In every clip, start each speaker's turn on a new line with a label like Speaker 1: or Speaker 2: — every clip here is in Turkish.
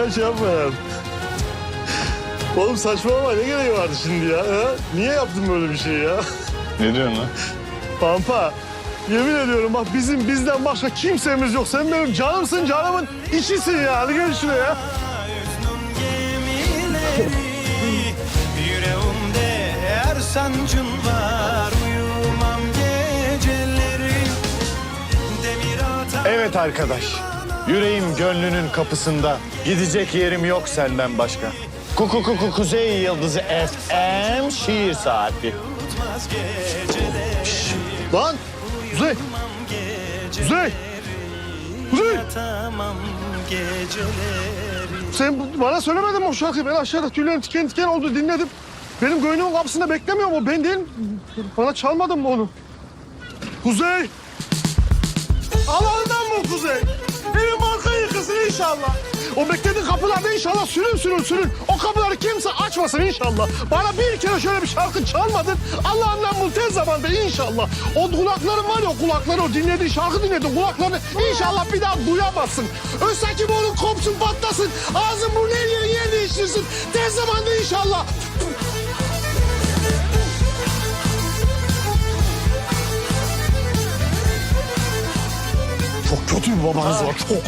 Speaker 1: Hemen şey yapma ya. Oğlum saçmalama, ne gereği vardı şimdi ya? Ha? Niye yaptın böyle bir şey ya?
Speaker 2: Ne diyorsun lan?
Speaker 1: Pampa, yemin ediyorum bak bizden başka kimsemiz yok. Sen benim canımsın, canımın içisin ya. Hadi gel şuraya.
Speaker 3: Yüreğimde her sancın var, uyumam geceleri.
Speaker 2: Evet arkadaş. Yüreğim gönlünün kapısında. Gidecek yerim yok senden başka. Kuzey Yıldızı FM şiir saati.
Speaker 1: Şşş, lan! Kuzey! Kuzey! Kuzey! Sen bana söylemedin mi o şarkıyı? Ben aşağıda tüylerim tiken tiken oldu, dinledim. Benim göğnümün kapısında beklemiyor mu? Ben değil. Bana çalmadın mı onu? Kuzey! Allah'ından mı Kuzey? Evin marka yıkılsın inşallah. O beklediğin kapılarda inşallah sürün. O kapıları kimse açmasın inşallah. Bana bir kere şöyle bir şarkı çalmadın. Allah'ından bul tez zamanda inşallah. O kulakların var ya, o kulakları, o dinlediğin şarkı dinlediğin kulaklarını inşallah bir daha duyamazsın. Özsaki borun kopsun, patlasın. Ağzın burnun her yerin yer değiştirsin. Tez zamanda inşallah. Çok kötü bir babanız var, çok.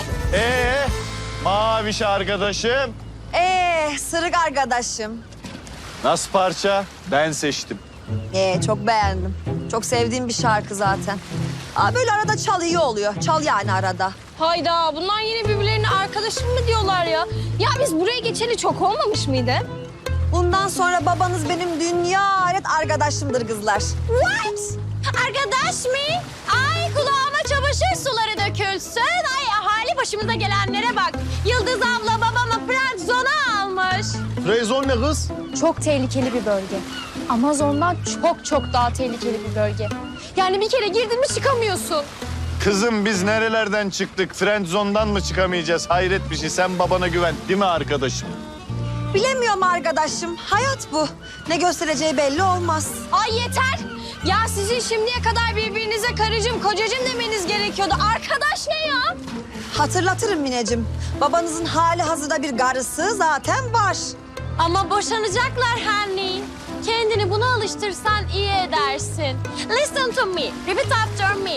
Speaker 2: Maviş arkadaşım.
Speaker 4: Sırık arkadaşım.
Speaker 2: Nasıl parça? Ben seçtim.
Speaker 4: Çok beğendim. Çok sevdiğim bir şarkı zaten. Böyle arada çal, iyi oluyor. Çal yani arada.
Speaker 5: Hayda, bunlar yine birbirlerine arkadaşım mı diyorlar ya? Ya biz buraya geçeli çok olmamış mıydı?
Speaker 4: Bundan sonra babanız benim dünya alet arkadaşımdır kızlar.
Speaker 5: What? Arkadaş mı? Ay kulağıma çamaşır suları dökülsün. Ay ahali başımıza gelenlere bak. Yıldız abla babamı friend zone'a almış.
Speaker 1: Freyzon ne kız?
Speaker 5: Çok tehlikeli bir bölge. Amazon'dan çok daha tehlikeli bir bölge. Yani bir kere girdin mi çıkamıyorsun.
Speaker 2: Kızım biz nerelerden çıktık? Friendzone'dan mı çıkamayacağız? Hayret bir şey. Sen babana güven. Değil mi arkadaşım?
Speaker 4: Bilemiyorum arkadaşım. Hayat bu. Ne göstereceği belli olmaz.
Speaker 5: Ay yeter. Ya sizin şimdiye kadar birbirinize karıcığım, kocacığım demeniz gerekiyordu. Arkadaş ne ya?
Speaker 4: Hatırlatırım Mineciğim. Babanızın hali hazırda bir karısı zaten var.
Speaker 5: Ama boşanacaklar Henry. Kendini buna alıştırsan iyi edersin. Listen to me. Repeat after me.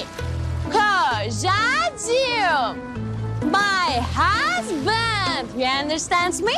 Speaker 5: Kocacığım. My husband. You understand me?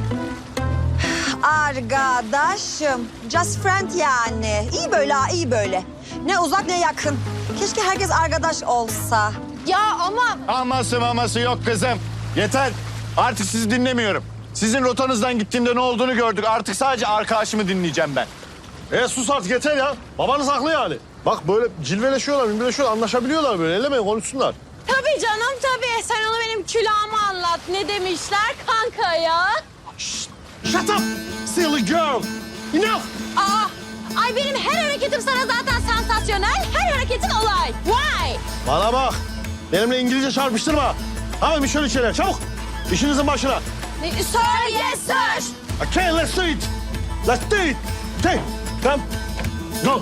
Speaker 4: Arkadaşım. Just friend yani. İyi böyle ha, iyi böyle. Ne uzak ne yakın. Keşke herkes arkadaş olsa.
Speaker 5: Ya ama
Speaker 2: Aması yok kızım. Yeter. Artık sizi dinlemiyorum. Sizin rotanızdan gittiğimde ne olduğunu gördük. Artık sadece arkadaşımı dinleyeceğim ben.
Speaker 1: Sus artık yeter ya. Babanız haklı yani. Bak böyle cilveleşiyorlar, bilmeleşiyorlar, anlaşabiliyorlar böyle. Ellemeyin, konuşsunlar.
Speaker 5: tabii canım tabii. Sen onu benim külahıma anlat. Ne demişler kanka ya?
Speaker 1: Shut up, silly girl. Enough.
Speaker 5: Ay benim her hareketim sana zaten sansasyonel. Her hareketin olay. Why?
Speaker 1: Bana bak. Benimle İngilizce çarpıştırma. Hemen bir şöyle şeyler, çabuk. İşinizin başına.
Speaker 5: Sir, yes sir.
Speaker 1: Okay, let's do it. Let's do it. Okay, come. Go.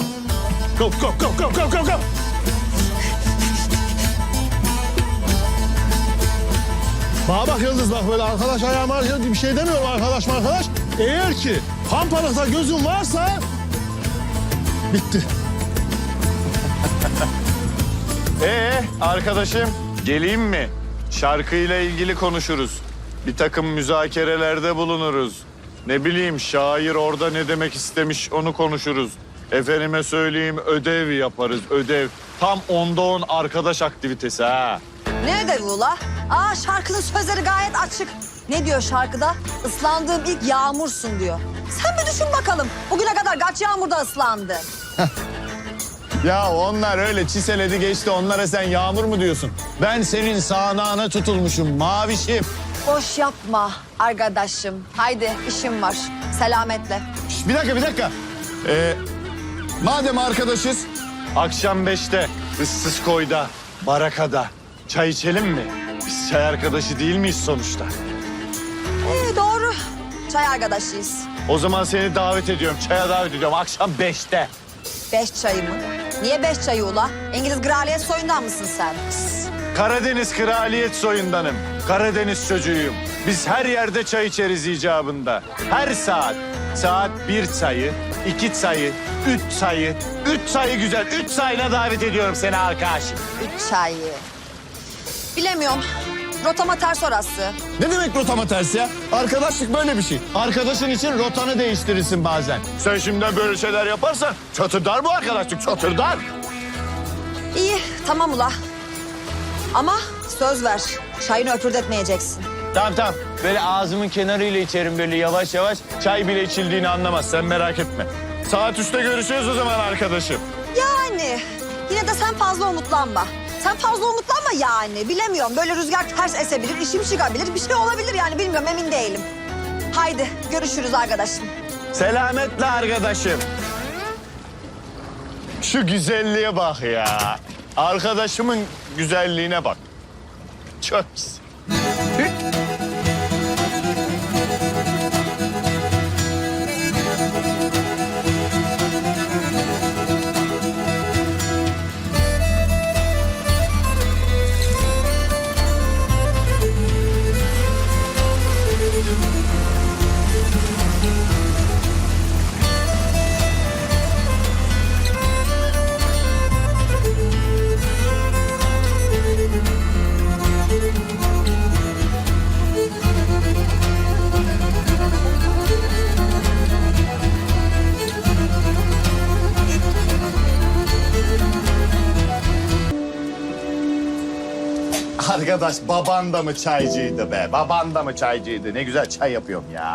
Speaker 1: Go. Bana bak Yıldız, bak böyle arkadaş ayağıma bir şey demiyorum, arkadaş. Eğer ki pampalıkta gözün varsa bitti.
Speaker 2: Arkadaşım geleyim mi? Şarkıyla ilgili konuşuruz. Bir takım müzakerelerde bulunuruz. Ne bileyim şair orada ne demek istemiş onu konuşuruz. Efendime söyleyeyim ödev yaparız, ödev. Tam 10'da 10 arkadaş aktivitesi ha.
Speaker 4: Ne ödevi ula? Şarkının sözleri gayet açık. Ne diyor şarkıda? Islandığım ilk yağmursun diyor. Sen bir düşün bakalım. Bugüne kadar kaç yağmurda ıslandın?
Speaker 2: Ya onlar öyle çiseledi geçti. Onlara sen yağmur mu diyorsun? Ben senin sağnağına tutulmuşum mavişim.
Speaker 4: Boş yapma arkadaşım. Haydi işim var. Selametle.
Speaker 2: Şişt, bir dakika. Madem arkadaşız. Akşam 5'te ıssız koyda, barakada çay içelim mi? Biz çay arkadaşı değil miyiz sonuçta?
Speaker 4: Doğru. Çay arkadaşıyız.
Speaker 2: O zaman seni davet ediyorum. Çaya davet ediyorum akşam 5'te.
Speaker 4: 5 çayı mı? Niye 5 çayı ula? İngiliz kraliyet soyundan mısın sen?
Speaker 2: Karadeniz kraliyet soyundanım. Karadeniz çocuğuyum. Biz her yerde çay içeriz icabında. Her saat. Saat 1 sayı, 2 sayı, 3 sayı. 3 sayı güzel. 3 sayına davet ediyorum seni arkadaşım.
Speaker 4: 3 çayı. Bilemiyorum. Rotama ters orası.
Speaker 2: Ne demek rotama ters ya? Arkadaşlık böyle bir şey. Arkadaşın için rotanı değiştirirsin bazen. Sen şimdiden böyle şeyler yaparsan çatırdar bu arkadaşlık, çatırdar.
Speaker 4: İyi, tamam ula. Ama söz ver, çayını öpürdetmeyeceksin.
Speaker 2: Tamam. Böyle ağzımın kenarıyla içerim böyle yavaş yavaş. Çay bile içildiğini anlamaz, sen merak etme. Saat 3'te görüşürüz o zaman arkadaşım.
Speaker 4: Yani yine de sen fazla umutlanma. Sen fazla umutlanma yani. Bilemiyorum, böyle rüzgar ters esebilir, işim çıkabilir, bir şey olabilir yani bilmiyorum, emin değilim. Haydi görüşürüz arkadaşım.
Speaker 2: Selametle arkadaşım. Şu güzelliğe bak ya. Arkadaşımın güzelliğine bak. Çok güzel. Arkadaş baban da mı çaycıydı be? Baban da mı çaycıydı? Ne güzel çay yapıyorum ya.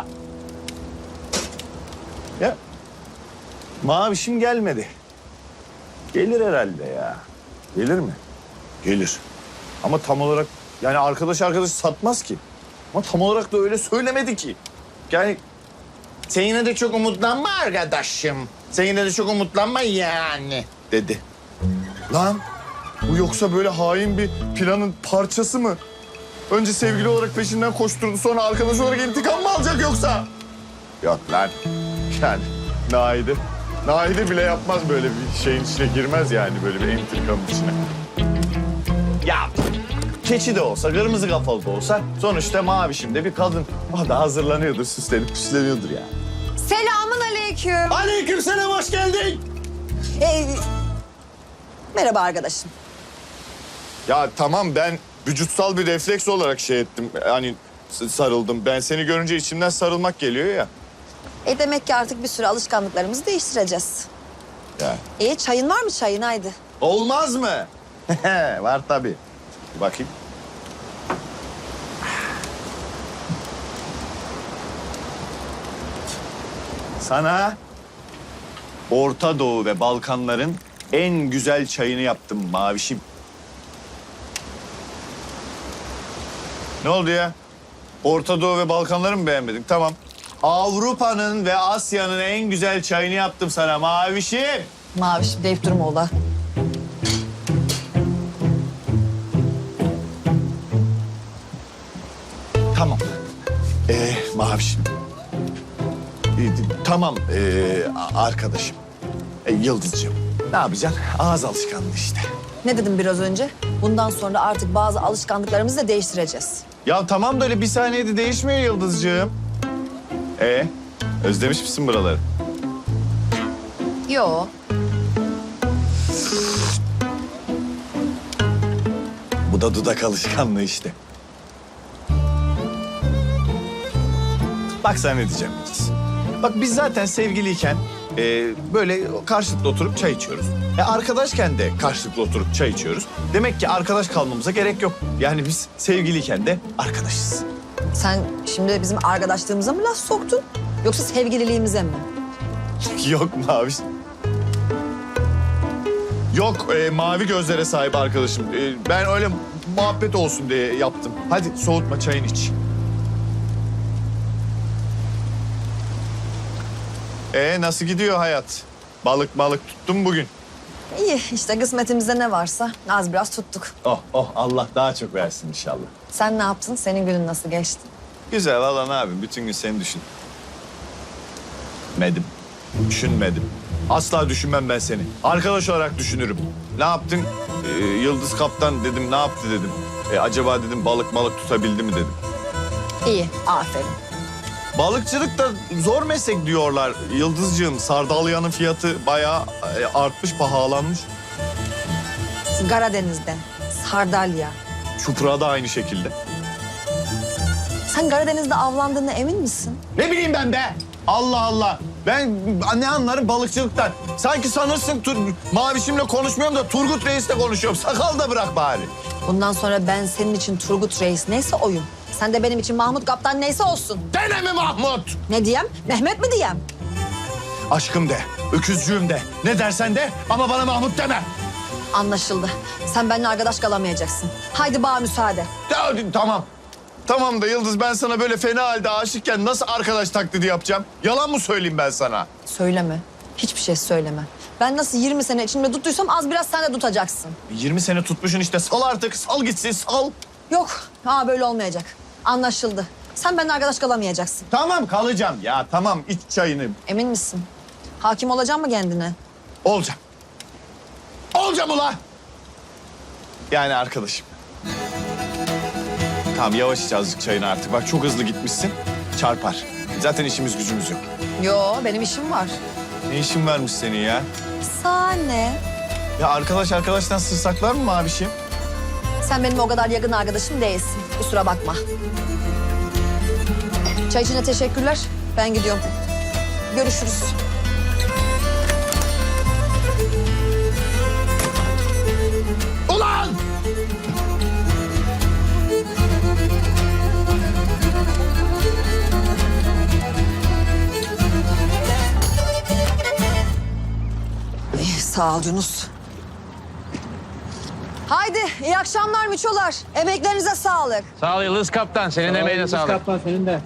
Speaker 2: Ya Mavişim gelmedi. Gelir herhalde ya. Gelir mi? Gelir. Ama tam olarak yani arkadaş satmaz ki. Ama tam olarak da öyle söylemedi ki. Yani sen yine de çok umutlanma arkadaşım. Sen yine de çok umutlanma yani dedi. Lan bu yoksa böyle hain bir planın parçası mı? Önce sevgili olarak peşinden koşturdu, sonra arkadaş olarak intikam mı alacak yoksa? Yok lan. Yani Nahide bile yapmaz, böyle bir şeyin içine girmez yani, böyle bir intikamın içine. Ya keçi de olsa, kırmızı kafalı da olsa sonuçta Mavişim de bir kadın. O da hazırlanıyordur, süslenip püsleniyordur ya.
Speaker 4: Selamun aleyküm.
Speaker 2: Aleykümselam, hoş geldin.
Speaker 4: Merhaba arkadaşım.
Speaker 2: Ya tamam, ben vücutsal bir refleks olarak şey ettim. Hani sarıldım. Ben seni görünce içimden sarılmak geliyor ya.
Speaker 4: Demek ki artık bir süre alışkanlıklarımızı değiştireceğiz.
Speaker 2: Ya.
Speaker 4: Çayın var mı çayın haydi?
Speaker 2: Olmaz mı? Var tabii. Bir bakayım. Sana Orta Doğu ve Balkanların en güzel çayını yaptım Mavişim. Ne oldu ya? Orta Doğu ve Balkanları mı beğenmedin? Tamam. Avrupa'nın ve Asya'nın en güzel çayını yaptım sana Mavişim.
Speaker 4: Maviş deyip durma ola.
Speaker 2: Tamam. Mavişim. Tamam arkadaşım. Yıldızcığım. Ne yapacaksın? Ağız alışkanlığı işte.
Speaker 4: Ne dedim biraz önce? Bundan sonra artık bazı alışkanlıklarımızı da değiştireceğiz.
Speaker 2: Ya tamam da öyle bir saniyede değişmiyor Yıldızcığım. Özlemiş misin buraları?
Speaker 4: Yo.
Speaker 2: Bu da dudak alışkanlığı işte. Bak sana ne diyeceğim Yıldız. Bak biz zaten sevgiliyken böyle karşılıklı oturup çay içiyoruz. Arkadaşken de karşılıklı oturup çay içiyoruz. Demek ki arkadaş kalmamıza gerek yok. Yani biz sevgiliyken de arkadaşız.
Speaker 4: Sen şimdi bizim arkadaşlığımıza mı laf soktun? Yoksa sevgililiğimize mi?
Speaker 2: Yok Mavi. Yok mavi gözlere sahip arkadaşım. Ben öyle muhabbet olsun diye yaptım. Hadi soğutma, çayını iç. Nasıl gidiyor hayat? Balık tuttun bugün.
Speaker 4: İyi işte kısmetimizde ne varsa az biraz tuttuk.
Speaker 2: Oh Allah daha çok versin inşallah.
Speaker 4: Sen ne yaptın? Senin günün nasıl geçti?
Speaker 2: Güzel valla, ne yapayım? Bütün gün seni düşünmedim. Asla düşünmem ben seni. Arkadaş olarak düşünürüm. Ne yaptın? Yıldız Kaptan dedim ne yaptı dedim. Acaba dedim balık tutabildi mi dedim.
Speaker 4: İyi, aferin.
Speaker 2: Balıkçılık da zor meslek diyorlar Yıldızcığım. Sardalyanın fiyatı bayağı artmış, pahalanmış.
Speaker 4: Karadeniz'de, sardalya.
Speaker 2: Çupra da aynı şekilde.
Speaker 4: Sen Karadeniz'de avlandığına emin misin?
Speaker 2: Ne bileyim ben be? Allah Allah. Ben ne anlarım balıkçılıktan. Sanki sanırsın Mavişimle konuşmuyorum da Turgut Reis'le konuşuyorum. Sakal da bırak bari.
Speaker 4: Bundan sonra ben senin için Turgut Reis neyse oyum. Sen de benim için Mahmut Kaptan neyse olsun.
Speaker 2: Dene mi Mahmut?
Speaker 4: Ne diyem? Mehmet mi diyem?
Speaker 2: Aşkım de, öküzcüğüm de. Ne dersen de ama bana Mahmut deme.
Speaker 4: Anlaşıldı. Sen benimle arkadaş kalamayacaksın. Haydi bana müsaade.
Speaker 2: Ya, tamam. Tamam da Yıldız ben sana böyle fena halde aşıkken nasıl arkadaş taklidi yapacağım? Yalan mı söyleyeyim ben sana?
Speaker 4: Söyleme. Hiçbir şey söyleme. Ben nasıl 20 sene içimde tuttuysam az biraz sen de tutacaksın.
Speaker 2: 20 sene tutmuşsun işte. Sal artık. Sal gitsin. Sal.
Speaker 4: Yok. Böyle olmayacak. Anlaşıldı. Sen benimle arkadaş kalamayacaksın.
Speaker 2: Tamam kalacağım. Ya tamam iç çayını.
Speaker 4: Emin misin? Hakim olacak mı kendine?
Speaker 2: Olacağım. Olacağım ulan. Yani arkadaşım. Tamam yavaş iç azıcık çayını artık. Bak çok hızlı gitmişsin. Çarpar. Zaten işimiz gücümüz yok.
Speaker 4: Yo, benim işim var.
Speaker 2: Ne işin varmış senin ya?
Speaker 4: Sahne.
Speaker 2: Ya arkadaştan sır saklar mı abişim?
Speaker 4: Sen benim o kadar yakın arkadaşım değilsin. Kusura bakma. Çay için de teşekkürler. Ben gidiyorum. Görüşürüz.
Speaker 2: Ulan!
Speaker 4: Sağ ol Yunus. Haydi iyi akşamlar miçolar. Emeklerinize sağlık.
Speaker 6: Sağ ol Yıldız Kaptan. Senin emeğine sağlık.
Speaker 7: Kaptan senin de.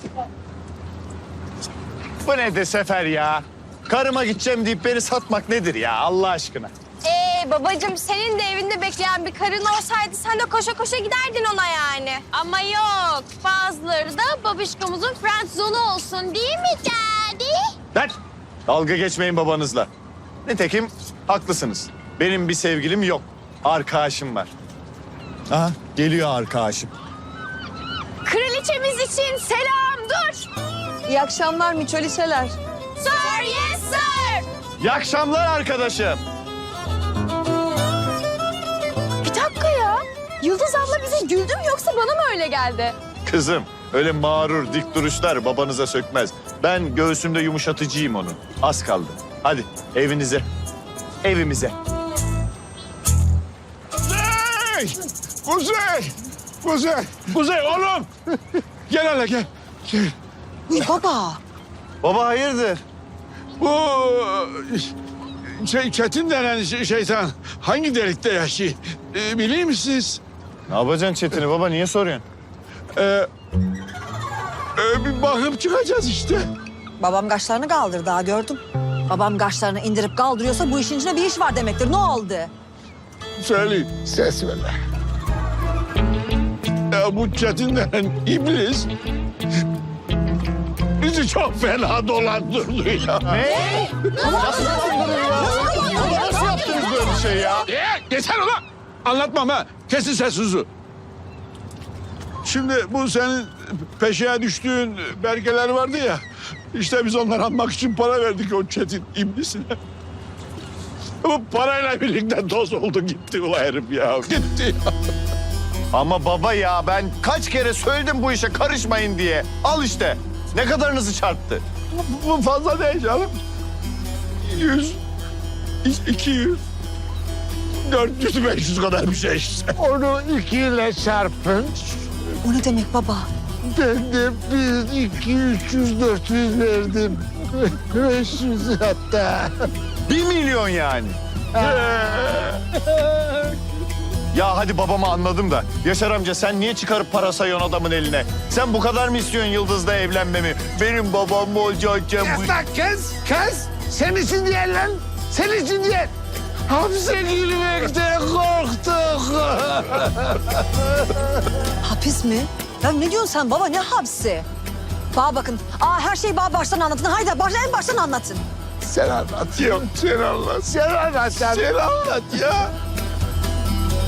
Speaker 2: Bu ne de Sefer ya? Karıma gideceğim deyip beni satmak nedir ya Allah aşkına?
Speaker 5: Babacığım senin de evinde bekleyen bir karın olsaydı sen de koşa koşa giderdin ona yani. Ama yok. Bazıları da babişkomuzun friend zone'u olsun değil mi daddy?
Speaker 2: Lan! Dalga geçmeyin babanızla. Nitekim haklısınız. Benim bir sevgilim yok. Arkadaşım var. Aha geliyor arkadaşım.
Speaker 5: Kraliçemiz için selam dur.
Speaker 4: İyi akşamlar miçoliçeler.
Speaker 5: Sir, yes sir.
Speaker 2: İyi akşamlar arkadaşım.
Speaker 5: Bir dakika ya. Yıldız abla bize güldü mü yoksa bana mı öyle geldi?
Speaker 2: Kızım öyle mağrur dik duruşlar babanıza sökmez. Ben göğsümde yumuşatıcıyım onu. Az kaldı. Hadi evinize. Evimize.
Speaker 1: Kuzey! Kuzey oğlum! Gel hele gel.
Speaker 4: Uy baba.
Speaker 2: Baba hayırdır?
Speaker 1: Bu Çetin denen şeytan hangi delikte yaşıyor? Biliyor musunuz?
Speaker 2: Ne yapacaksın Çetin'i baba niye soruyorsun?
Speaker 1: Bir bakıp çıkacağız işte.
Speaker 4: Babam kaşlarını kaldırdı daha gördüm. Babam kaşlarını indirip kaldırıyorsa bu işin içinde bir iş var demektir. Ne oldu?
Speaker 1: Söyleyeyim. Ses ver. Bu Çetin denen iblis bizi çok fena dolandırdı ya.
Speaker 2: Ne? Nasıl yaptınız böyle bir şey ya?
Speaker 1: Yeter ulan! Anlatmam ha. Kesin sessizliği. Şimdi bu senin peşine düştüğün belgeler vardı ya. İşte biz onları almak için para verdik o Çetin iblisine. Bu parayla birlikte toz oldu gitti ulan herif ya. Gitti ya.
Speaker 2: Ama baba ya ben kaç kere söyledim bu işe karışmayın diye. Al işte. Ne kadarınızı çarptı?
Speaker 1: Bu fazla değil canım. 100, 200, 400, 500 kadar bir şey işte. Onu 2 ile çarpın.
Speaker 4: O ne demek baba?
Speaker 1: Ben de 1, 2, 300, 400 verdim. 500 hatta.
Speaker 2: 1 milyon yani. Ya hadi babamı anladım da. Yaşar amca sen niye çıkarıp para sayıyorsun adamın eline? Sen bu kadar mı istiyorsun Yıldız'la evlenmemi? Benim babam mı olacakken bu...
Speaker 1: Lan kız. Sen için değil lan. Sen için değil. Hapse girmekten korktuk.
Speaker 4: Hapis mi? Ya ne diyorsun sen baba? Ne hapsi? Bana bakın. Her şeyi bana baştan anlatın. Haydi en baştan anlatın.
Speaker 1: Sen anlat. Yok sen anlat. Sen anlat. Sen anlat ya.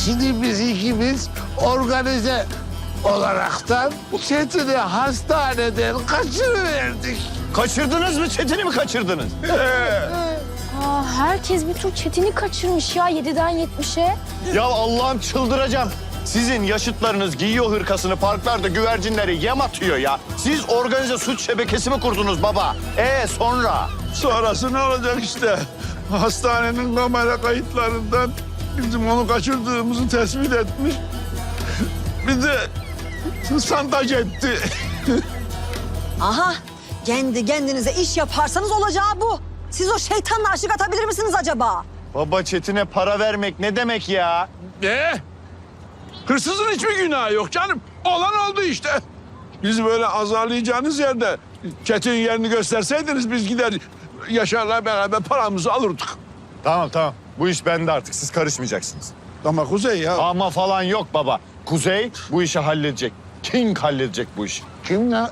Speaker 7: Şimdi biz ikimiz organize olaraktan Çetin'i hastaneden kaçırıverdik.
Speaker 2: Kaçırdınız mı? Çetin'i mi kaçırdınız?
Speaker 5: Aa, herkes bir tur Çetin'i kaçırmış ya 7'den 70'e.
Speaker 2: Ya Allah'ım çıldıracağım. Sizin yaşıtlarınız giyiyor hırkasını parklarda güvercinleri yem atıyor ya. Siz organize suç şebekesi mi kurdunuz baba? Sonra?
Speaker 1: Sonrası ne olacak işte? Hastanenin kamera kayıtlarından bizim onu kaçırdığımızı tespit etmiş. Bir de santaj etti.
Speaker 4: Aha, kendi kendinize iş yaparsanız olacağı bu. Siz o şeytanla aşık atabilir misiniz acaba?
Speaker 2: Baba Çetin'e para vermek ne demek ya?
Speaker 1: Hırsızın hiçbir günahı yok canım. Olan oldu işte. Bizi böyle azarlayacağınız yerde Çetin yerini gösterseydiniz biz gider Yaşar'la beraber paramızı alırdık.
Speaker 2: Tamam. Bu iş bende artık. Siz karışmayacaksınız.
Speaker 1: Ama Kuzey ya.
Speaker 2: Ama falan yok baba. Kuzey bu işi halledecek. King halledecek bu işi.
Speaker 7: Kim lan?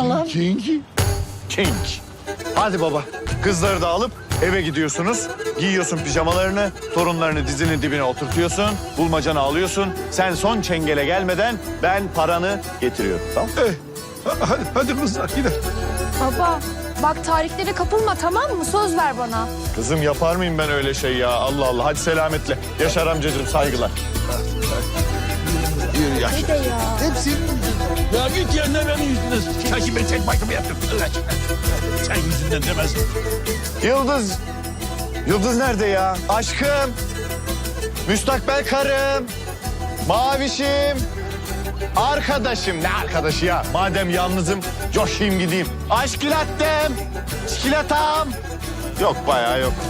Speaker 2: King. Hadi baba. Kızları da alıp eve gidiyorsunuz. Giyiyorsun pijamalarını, torunlarını dizinin dibine oturtuyorsun. Bulmacanı alıyorsun. Sen son çengele gelmeden ben paranı getiriyorum. Tamam?
Speaker 1: Hadi kızlar gidelim.
Speaker 5: Baba bak tarihlere kapılma tamam mı? Söz ver bana.
Speaker 2: Kızım yapar mıyım ben öyle şey ya? Allah Allah. Hadi selametle. Yaşar amcacığım saygılar.
Speaker 1: Yürü Yaşar.
Speaker 5: Bir de ya.
Speaker 7: Hepsi
Speaker 1: Ya git yerine benim yüzümden. Sanki ben tek başıma yaptım. Sen yüzünden demez.
Speaker 2: Yıldız. Yıldız nerede ya? Aşkım. Müstakbel karım. Mavişim. Arkadaşım. Ne arkadaşı ya? Madem yalnızım coşayım gideyim. Aşkilattem. Çikolatam. Yok bayağı yok.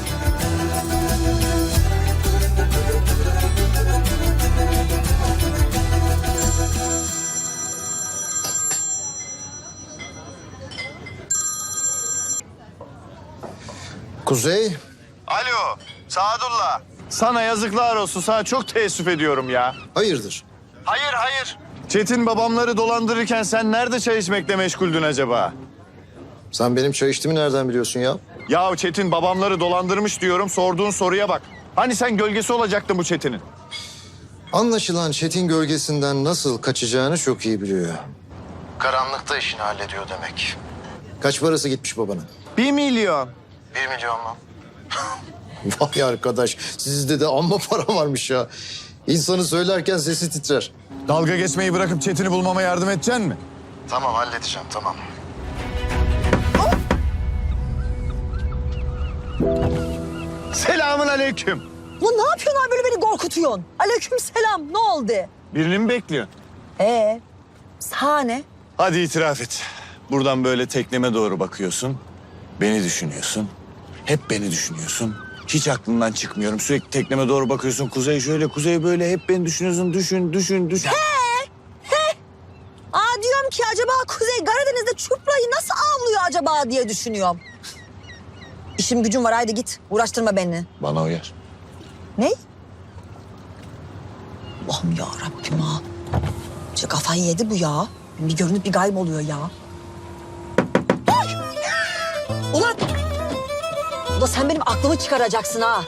Speaker 8: Kuzey,
Speaker 2: Alo. Sadullah. Sana yazıklar olsun. Sana çok teessüf ediyorum ya.
Speaker 8: hayırdır?
Speaker 2: Hayır. Çetin babamları dolandırırken sen nerede çay içmekle meşguldün acaba?
Speaker 8: Sen benim çay içtiğimi nereden biliyorsun ya?
Speaker 2: Ya Çetin babamları dolandırmış diyorum. Sorduğun soruya bak. Hani sen gölgesi olacaktın bu Çetin'in?
Speaker 8: Anlaşılan Çetin gölgesinden nasıl kaçacağını çok iyi biliyor. Karanlıkta işini hallediyor demek. Kaç parası gitmiş babana?
Speaker 2: 1 milyon.
Speaker 8: 1 milyon mu? Vay arkadaş, sizde de amma para varmış ya. İnsanı söylerken sesi titrer.
Speaker 2: Dalga geçmeyi bırakıp Çetin'i bulmama yardım edeceksin mi?
Speaker 8: Tamam, halledeceğim, tamam.
Speaker 2: Selamun aleyküm.
Speaker 4: Bu ne yapıyorsun abi böyle beni korkutuyorsun? Aleyküm selam, ne oldu?
Speaker 2: Birini mi bekliyorsun?
Speaker 4: Sahne.
Speaker 2: Hadi itiraf et. Buradan böyle tekneme doğru bakıyorsun. Beni düşünüyorsun. Hep beni düşünüyorsun. Hiç aklından çıkmıyorum. Sürekli tekneme doğru bakıyorsun. Kuzey şöyle, kuzey böyle. Hep beni düşünüyorsun. Düşün.
Speaker 4: Aa diyorum ki acaba Kuzey Karadeniz'de çuprayı nasıl avlıyor acaba diye düşünüyorum. İşim gücüm var, haydi git. Uğraştırma beni.
Speaker 2: Bana uyar.
Speaker 4: Ne? Allah'ım ya Rabbim ha. İşte kafayı yedi bu ya. Bir görünüp bir gayb oluyor ya. Ay! Ulan! Ulan sen benim aklımı çıkaracaksın ha.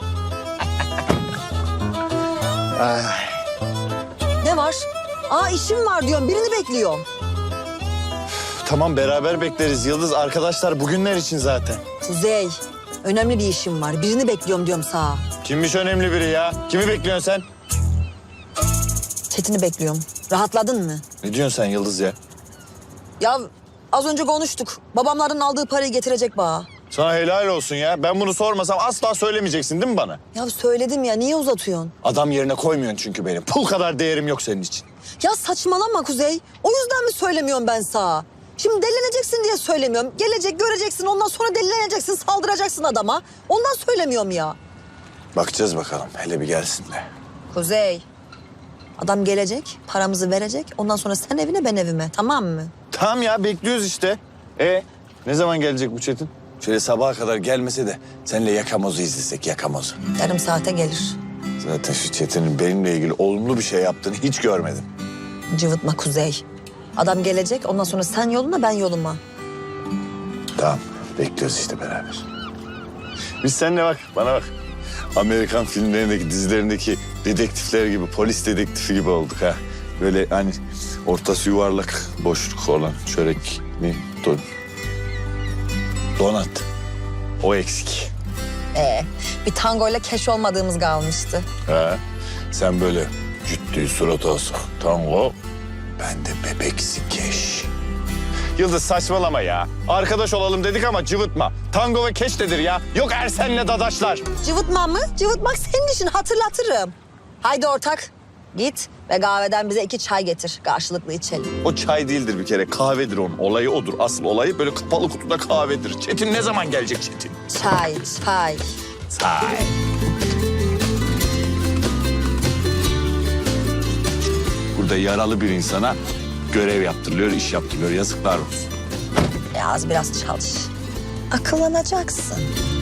Speaker 4: Ne var? Aa işim var diyorum, birini bekliyorum.
Speaker 2: Tamam beraber bekleriz Yıldız. Arkadaşlar bugünler için zaten.
Speaker 4: Kuzey, önemli bir işim var. Birini bekliyorum diyorum sağa.
Speaker 2: Kimmiş önemli biri ya? Kimi bekliyorsun sen?
Speaker 4: Çetin'i bekliyorum. Rahatladın mı?
Speaker 2: Ne diyorsun sen Yıldız ya?
Speaker 4: Ya az önce konuştuk. Babamların aldığı parayı getirecek bana.
Speaker 2: Sana helal olsun ya. Ben bunu sormasam asla söylemeyeceksin değil mi bana?
Speaker 4: Ya söyledim ya, niye uzatıyorsun?
Speaker 2: Adam yerine koymuyorsun çünkü benim. Pul kadar değerim yok senin için.
Speaker 4: Ya saçmalama Kuzey. O yüzden mi söylemiyorum ben sağa? Şimdi delileneceksin diye söylemiyorum. Gelecek, göreceksin, ondan sonra delileneceksin, saldıracaksın adama. Ondan söylemiyorum ya.
Speaker 2: Bakacağız bakalım. Hele bir gelsin de.
Speaker 4: Kuzey, adam gelecek, paramızı verecek. Ondan sonra sen evine, ben evime. Tamam mı?
Speaker 2: Tamam ya bekliyoruz işte. Ne zaman gelecek bu Çetin? Şöyle sabaha kadar gelmese de seninle yakamozu izlesek yakamozu.
Speaker 4: Yarım saate gelir.
Speaker 2: Zaten şu Çetin'in benimle ilgili olumlu bir şey yaptığını hiç görmedim.
Speaker 4: Cıvıtma Kuzey. Adam gelecek, ondan sonra sen yoluna, ben yoluma.
Speaker 2: Tamam bekliyoruz işte beraber. Biz seninle bak bana bak. Amerikan filmlerindeki dizilerindeki dedektifler gibi, polis dedektifi gibi olduk ha. Böyle hani ortası yuvarlak, boşluk olan çörek ne? Donat. O eksik.
Speaker 4: Bir tangoyla keş olmadığımız kalmıştı.
Speaker 2: Ha. Sen böyle ciddi surat asık tango. Ben de bebeksi keş. Yıldız saçmalama ya. Arkadaş olalım dedik ama cıvıtma. Tango ve keş nedir ya? Yok Ersen'le dadaşlar.
Speaker 4: Cıvıtma mı? Cıvıtmak senin işin, hatırlatırım. Haydi ortak, git ve kahveden bize 2 çay getir. Karşılıklı içelim.
Speaker 2: O çay değildir bir kere. Kahvedir onun. Olayı odur. Asıl olayı böyle kapalı kutuda kahvedir. Çetin ne zaman gelecek Çetin?
Speaker 4: Çay.
Speaker 2: Çay. Burada yaralı bir insana görev yaptırılıyor, iş yaptırılıyor. Yazıklar olsun.
Speaker 4: Az biraz çalış. Akıllanacaksın.